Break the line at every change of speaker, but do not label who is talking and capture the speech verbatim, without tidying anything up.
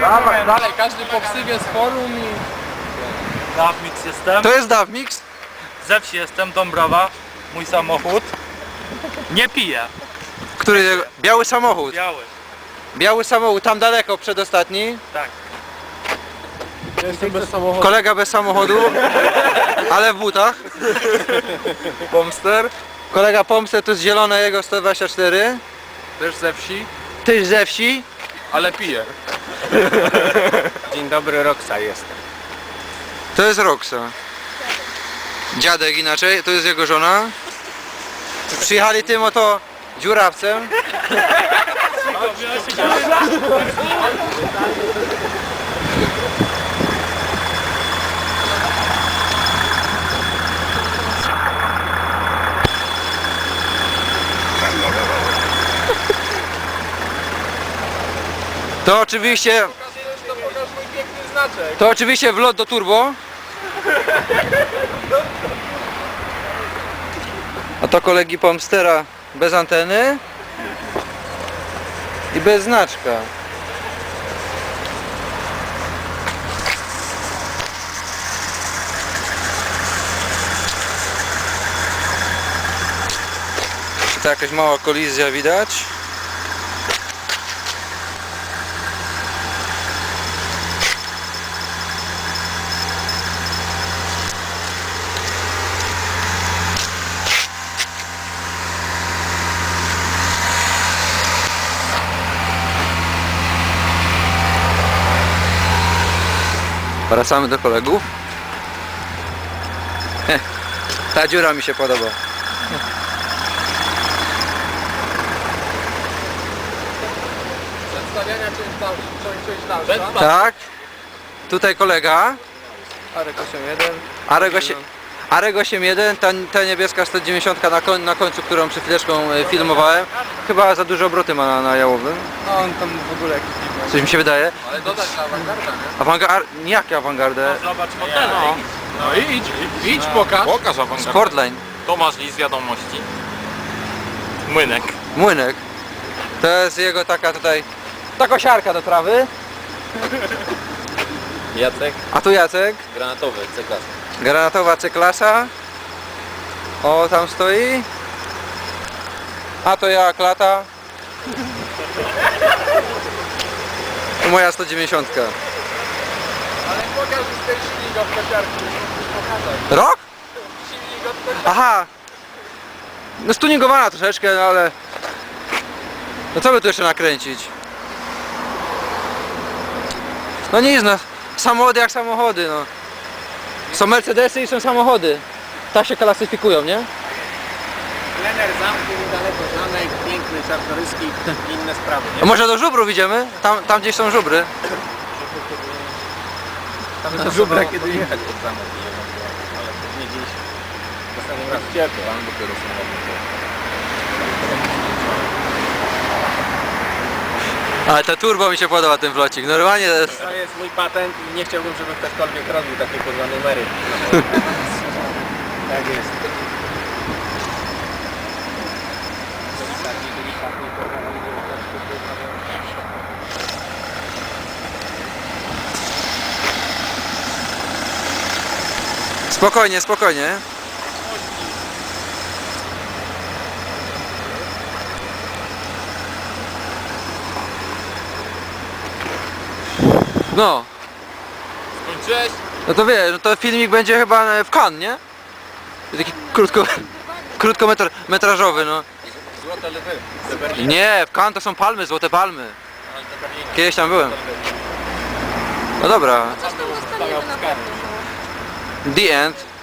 Dawaj, dalej, każdy po ksywie z forum i...
Dawmix jestem.
To jest Dawmix?
Ze wsi jestem, Dąbrowa. Mój samochód. Nie piję.
Który? Biały samochód.
Biały.
Biały samochód, tam daleko, przedostatni.
Tak.
Ja jestem bez samochodu.
Kolega bez samochodu, ale w butach. Pomster. Kolega Pomster, to jest zielone jego sto dwadzieścia cztery.
Też ze wsi,
Tyś ze wsi.
ale piję.
Dzień dobry, Roxa jestem.
To jest Roxa. Dziadek inaczej, to jest jego żona. Przyjechali tym oto dziurawcem. To oczywiście,
To pokaż mój piękny znaczek.
to oczywiście wlot do turbo. A to kolegi Pomstera bez anteny i bez znaczka. To jakaś mała kolizja widać. Wracamy do kolegów. Heh, ta dziura mi się podoba.
Przedstawiania część dalsza. Część dalsza.
Tak. Tutaj kolega.
Arek osiem jeden.
Arek osiem- Arek osiem jeden, ta, ta niebieska sto dziewięćdziesiąt na, koń, na końcu, którą przed chwileczką e, filmowałem. Chyba za duże obroty ma na, na jałowym.
No on tam w ogóle jakiś dziwny.
Coś mi się wydaje.
Ale dodać na awangarda, nie?
Awangard... Jakie awangardę?
Zobacz fotele.
No idź, idź pokaż.
Pokaż awangardę.
Sportline.
Tomasz Lis, wiadomości. Młynek.
Młynek. To jest jego taka tutaj... Ta kosiarka do trawy.
Jacek.
A tu Jacek.
Granatowy, C-klasa.
Granatowa C-klasa. O, tam stoi. A to ja, klata. To moja sto dziewięćdziesiąt.
Ale pokaż już ten silnik od kosiarki. Musisz pokazać.
Rok?
Silnik od kosiarki.
Aha. No stuningowana troszeczkę, no ale... No co by tu jeszcze nakręcić? No nic, no. Samochody jak samochody, no. Są Mercedesy i są samochody. Tak się klasyfikują, nie?
Plener zamku, daleko zamek, piękny, czartoryski i inne sprawy.
A może do żubrów idziemy? Tam, tam gdzieś są żubry.
Tam jest żubra, kiedy jechać pod zamek. Ale nie dziś. Następnym razem. Ciepło, tam dopiero są.
Ale ta turbo mi się podoba, ten wlocik. Normalnie to jest...
To jest mój patent i nie chciałbym, żeby ktokolwiek robił takie kurwa numery. Tak jest.
Spokojnie, spokojnie. No,
Skończyłeś?
no to wiesz, no to filmik będzie chyba w Cannes, nie? Taki krótko, krótkometrażowy, no.
Złote lwy.
Nie, w Cannes to są palmy, złote palmy. Kiedyś tam byłem. No dobra,
Coś tam dostaniemy na pewno.
the end.